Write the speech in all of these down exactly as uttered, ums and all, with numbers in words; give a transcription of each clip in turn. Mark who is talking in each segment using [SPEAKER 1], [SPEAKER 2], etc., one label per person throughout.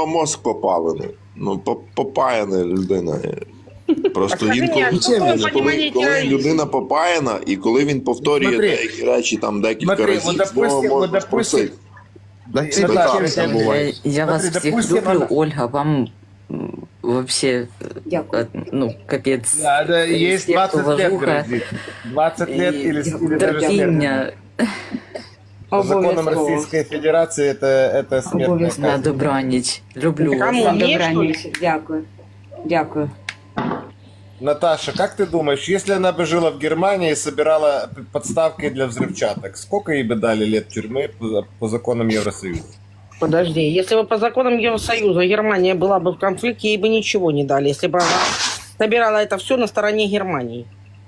[SPEAKER 1] мозк попалений. Ну, по- попаяна людина. Просто
[SPEAKER 2] А скажи
[SPEAKER 1] інколи,
[SPEAKER 2] мені, а що
[SPEAKER 1] коли,
[SPEAKER 2] ви
[SPEAKER 1] коли,
[SPEAKER 2] розумієте?
[SPEAKER 1] коли людина попаяна, і коли він повторює
[SPEAKER 3] Смотри.
[SPEAKER 1] деякі речі там декілька
[SPEAKER 3] Смотри,
[SPEAKER 1] разів,
[SPEAKER 3] вот
[SPEAKER 1] знову
[SPEAKER 3] допустим,
[SPEAKER 1] можна
[SPEAKER 3] вот допустим,
[SPEAKER 1] спросити.
[SPEAKER 3] Наташа,
[SPEAKER 1] Так,
[SPEAKER 3] я
[SPEAKER 1] це
[SPEAKER 3] тебя-
[SPEAKER 1] буває.
[SPEAKER 4] Я вас
[SPEAKER 3] Смотри,
[SPEAKER 4] всех
[SPEAKER 3] допустим,
[SPEAKER 4] люблю,
[SPEAKER 3] она-
[SPEAKER 4] Ольга, вам м, вообще,
[SPEAKER 5] Дякую.
[SPEAKER 4] э, ну, капец.
[SPEAKER 3] Да, да, есть
[SPEAKER 4] Респект,
[SPEAKER 3] двадцать лет
[SPEAKER 4] уважуха.
[SPEAKER 3] грозит. двадцать лет
[SPEAKER 4] И
[SPEAKER 3] или, или даже смерть.
[SPEAKER 4] терпіння.
[SPEAKER 3] По законам
[SPEAKER 5] Обов'язково.
[SPEAKER 3] Российской Федерации это, это смертная
[SPEAKER 5] Обов'язково.
[SPEAKER 4] На
[SPEAKER 3] казнь.
[SPEAKER 4] добраніч. Люблю вас.
[SPEAKER 2] Кому?
[SPEAKER 5] На
[SPEAKER 2] Мені,
[SPEAKER 5] добраніч. Дякую. Дякую.
[SPEAKER 3] Наташа, как ты думаешь, если она бы жила в Германии и собирала подставки для взрывчаток, сколько ей бы дали лет тюрьмы по, по законам Евросоюза?
[SPEAKER 2] Подожди, если бы по законам Евросоюза Германия была бы в конфликте, ей бы ничего не дали, если бы она собирала это все на стороне Германии.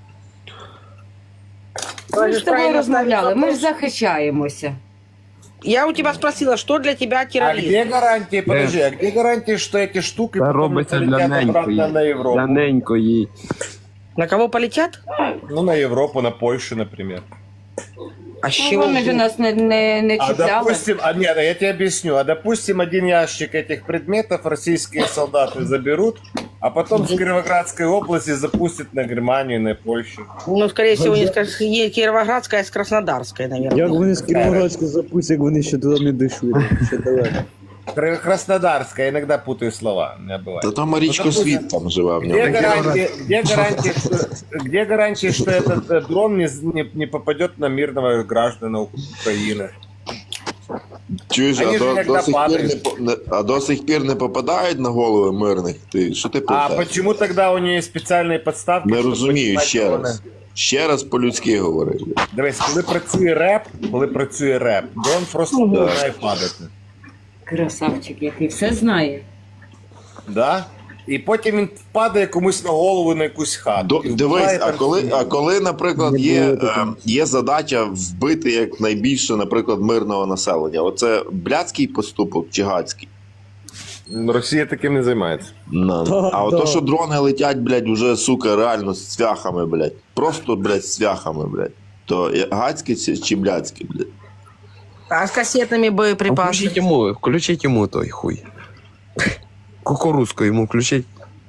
[SPEAKER 5] Ми ж з тобою
[SPEAKER 2] Правильно
[SPEAKER 5] розмовляли, ми ж
[SPEAKER 2] вопрос.
[SPEAKER 5] захищаємося.
[SPEAKER 2] Я у тебя спросила, что для тебя
[SPEAKER 3] А
[SPEAKER 2] терроризм?
[SPEAKER 3] где гарантии, подожди, а где гарантии, что эти штуки
[SPEAKER 6] Це
[SPEAKER 3] потом не
[SPEAKER 6] робиться для
[SPEAKER 3] полетят обратно
[SPEAKER 6] ненької.
[SPEAKER 3] на Европу?
[SPEAKER 6] Для ненької.
[SPEAKER 2] На кого полетят?
[SPEAKER 3] Ну, на Европу, на Польшу, например.
[SPEAKER 2] А с
[SPEAKER 5] Ну,
[SPEAKER 2] чего?
[SPEAKER 5] вони ж нас не, не, не
[SPEAKER 3] А
[SPEAKER 5] чіпляли.
[SPEAKER 3] допустим, а нет, я тебе объясню. А допустим, один ящик этих предметов российские солдаты заберут, а потом с Кировоградской области запустят на Германию, на Польшу.
[SPEAKER 2] Ну, скорее всего, не скажешь, не Кировоградская, а с Краснодарской, наверное.
[SPEAKER 7] Як вони з Кіровоградську запустять, як вони ще туди не дійшли. Ще далеко.
[SPEAKER 3] Кра- Краснодарская, иногда путаю слова, у меня бывает.
[SPEAKER 1] Та там Марічко
[SPEAKER 3] Ну, допустим,
[SPEAKER 1] Світ там живе в
[SPEAKER 3] Где
[SPEAKER 1] ньому.
[SPEAKER 3] гарантия, где гарантия, что, где гарантия, что этот э, дрон не, не, не попадет на мирного граждана Украины?
[SPEAKER 1] Чуєш,
[SPEAKER 3] Вони
[SPEAKER 1] а
[SPEAKER 3] ж
[SPEAKER 1] до,
[SPEAKER 3] іногда
[SPEAKER 1] до сих пір не,
[SPEAKER 3] падають.
[SPEAKER 1] по- не- а до сих пір не попадають на голови мирних? Ти, що ти
[SPEAKER 3] А
[SPEAKER 1] питаєш?
[SPEAKER 3] почему тогда у нее специальные подставки?
[SPEAKER 1] Не
[SPEAKER 3] щоб
[SPEAKER 1] розумію,
[SPEAKER 3] піднімати
[SPEAKER 1] ще
[SPEAKER 3] дрони?
[SPEAKER 1] раз. Ще раз по-людськи говори.
[SPEAKER 3] Дивись, коли працює реп, коли працює реп, дрон просто починає падати.
[SPEAKER 5] Красавчик, який все знає.
[SPEAKER 3] Да? І потім він падає комусь на голову на якусь хату.
[SPEAKER 1] До,
[SPEAKER 3] І вбиває
[SPEAKER 1] дивись, а
[SPEAKER 3] там
[SPEAKER 1] коли,
[SPEAKER 3] всіх.
[SPEAKER 1] а коли, наприклад,
[SPEAKER 7] Не
[SPEAKER 1] є,
[SPEAKER 7] було
[SPEAKER 1] е,
[SPEAKER 7] такого.
[SPEAKER 1] є задача вбити як найбільше, наприклад, мирного населення, оце блядський поступок чи гадський?
[SPEAKER 3] Росія таким не займається.
[SPEAKER 1] На.
[SPEAKER 7] Та,
[SPEAKER 1] А
[SPEAKER 7] да.
[SPEAKER 1] ото, що дрони летять, блядь, уже, сука, реально з цвяхами, блядь. Просто, блядь, з цвяхами, блядь. То є гадське чи, чи блядське, блядь?
[SPEAKER 2] А с кассетными
[SPEAKER 6] Включіть
[SPEAKER 2] боеприпасами?
[SPEAKER 6] йому, включіть йому той хуй. Кукурузку йому включіть.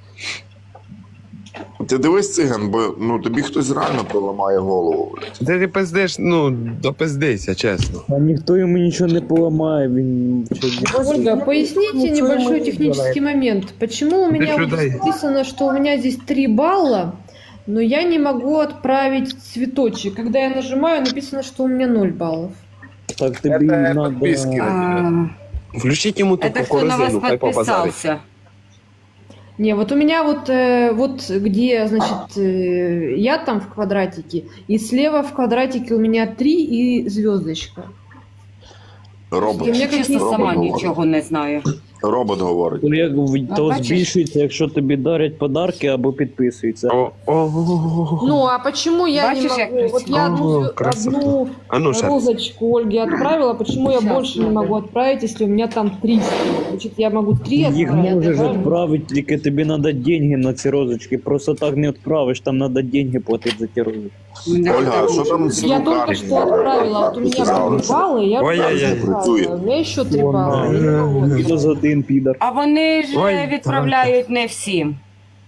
[SPEAKER 1] Ти дивись, циган, бо ну, тобі хтось реально поламає голову, блядь.
[SPEAKER 6] Ти ти пиздиш, ну, допиздися, чесно.
[SPEAKER 7] А ніхто йому нічого не поламає, він
[SPEAKER 8] Ольга, поясните
[SPEAKER 2] Ничего
[SPEAKER 8] небольшой
[SPEAKER 2] ему не
[SPEAKER 8] технический момент. Почему у меня вот
[SPEAKER 6] людей.
[SPEAKER 8] написано, что у меня здесь три балла, но я не могу отправить цветочек? Когда я нажимаю, написано, что у меня ноль баллов.
[SPEAKER 7] так тобі
[SPEAKER 3] Це
[SPEAKER 7] надо.
[SPEAKER 3] підписки.
[SPEAKER 5] А,
[SPEAKER 6] Включіть йому ту
[SPEAKER 5] это кто на вас
[SPEAKER 6] кукурузину, хай побазарить.
[SPEAKER 5] подписался?
[SPEAKER 8] Не, вот у меня вот, э, вот где, значит, э, я там в квадратике, и слева в квадратике у меня три и звездочка.
[SPEAKER 1] Робот.
[SPEAKER 8] І мені
[SPEAKER 5] Чесно,
[SPEAKER 1] Робот
[SPEAKER 5] сама
[SPEAKER 1] говорить.
[SPEAKER 5] нічого не знаю.
[SPEAKER 1] Робот говорить.
[SPEAKER 7] То, як, в- то
[SPEAKER 5] бачиш?
[SPEAKER 7] збільшується, якщо тобі дарять подарки або підписуються.
[SPEAKER 6] О, о, о,
[SPEAKER 8] Ну, а почему я
[SPEAKER 5] Бачишь,
[SPEAKER 8] не
[SPEAKER 5] як
[SPEAKER 8] могу? Вот я одну,
[SPEAKER 6] О,
[SPEAKER 8] звё-
[SPEAKER 6] красота.
[SPEAKER 8] одну
[SPEAKER 6] А ну, ще раз.
[SPEAKER 8] розочку Ольге отправила, почему я
[SPEAKER 5] Сейчас
[SPEAKER 8] больше не
[SPEAKER 5] надо.
[SPEAKER 8] могу отправить, если у меня там три стоит? Значит, я могу три
[SPEAKER 7] Їх
[SPEAKER 8] отправить.
[SPEAKER 7] можеш
[SPEAKER 8] правильно?
[SPEAKER 7] відправити, тільки тобі треба деньги на ці розочки. Просто так не відправиш, там треба деньги платити за ті розочки.
[SPEAKER 1] Ольга, а що там з
[SPEAKER 8] Я только
[SPEAKER 1] руками?
[SPEAKER 8] что отправила, вот у меня были баллы, я
[SPEAKER 6] Ой-ой-ой.
[SPEAKER 8] отправила. У меня еще три балла. я не могу.
[SPEAKER 7] Мінус один підар.
[SPEAKER 5] А вони ж
[SPEAKER 6] Ой,
[SPEAKER 5] е, відправляють не всім.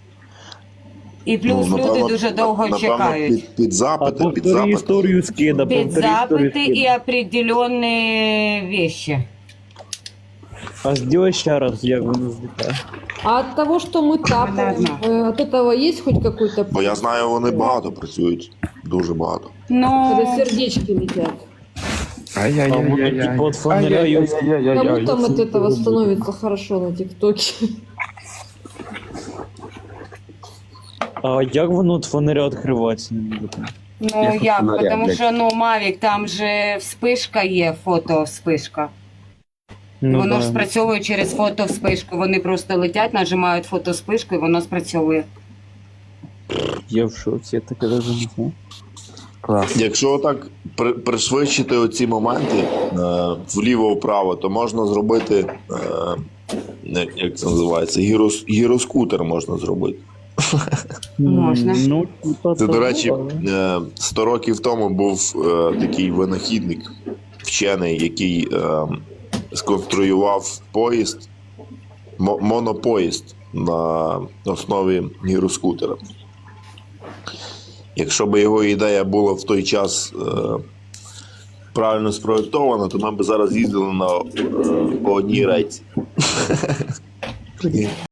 [SPEAKER 5] І плюс
[SPEAKER 1] Ну,
[SPEAKER 5] люди
[SPEAKER 1] напевно,
[SPEAKER 5] дуже довго
[SPEAKER 1] напевно,
[SPEAKER 5] чекають.
[SPEAKER 1] Під, під
[SPEAKER 7] А
[SPEAKER 1] запити, під
[SPEAKER 7] повтори
[SPEAKER 1] запити.
[SPEAKER 7] історію скида,
[SPEAKER 5] Під
[SPEAKER 7] повтори історію
[SPEAKER 5] запити і
[SPEAKER 7] скида.
[SPEAKER 5] определенні вещи.
[SPEAKER 7] А сделай ще раз, як воно злітає.
[SPEAKER 8] А от того, что мы тапаем,
[SPEAKER 5] Ладно.
[SPEAKER 8] э, от этого есть хоть какой-то...
[SPEAKER 1] Бо я знаю, вони багато працюють. Дуже багато.
[SPEAKER 5] Ну,
[SPEAKER 8] Когда сердечки летят.
[SPEAKER 6] Ай-яй-яй-яй-яй.
[SPEAKER 7] Типа от фонаря є.
[SPEAKER 8] Кому там от этого становится хорошо на ТикТоке?
[SPEAKER 7] А як воно от фонаря відкривається? Не буде?
[SPEAKER 5] ну
[SPEAKER 6] Я
[SPEAKER 5] як,
[SPEAKER 6] фонаря,
[SPEAKER 5] тому
[SPEAKER 6] блядь.
[SPEAKER 5] що ну Мавік, там же вспишка є, фото вспишка.
[SPEAKER 7] Ну,
[SPEAKER 5] воно
[SPEAKER 7] да.
[SPEAKER 5] ж спрацьовує через фото вспишку. Вони просто летять, нажимають фото вспишку і воно спрацьовує.
[SPEAKER 7] Я в шоці, я таке навіть не знаю.
[SPEAKER 6] Клас.
[SPEAKER 1] Якщо так при, пришвидшити оці моменти е, вліво-вправо, то можна зробити, е, як- як це називається, гірос, гіроскутер можна зробити.
[SPEAKER 5] Можна.
[SPEAKER 7] Ну, типа,
[SPEAKER 1] Це, до
[SPEAKER 7] так,
[SPEAKER 1] речі,
[SPEAKER 7] да.
[SPEAKER 1] е, сто років тому був е, такий винахідник, вчений, який е, сконструював поїзд, мо- монопоїзд на основі гіроскутера. Якщо б його ідея була в той час е, правильно спроєктована, то ми б зараз їздили на, е, по одній рейці. Прикинь.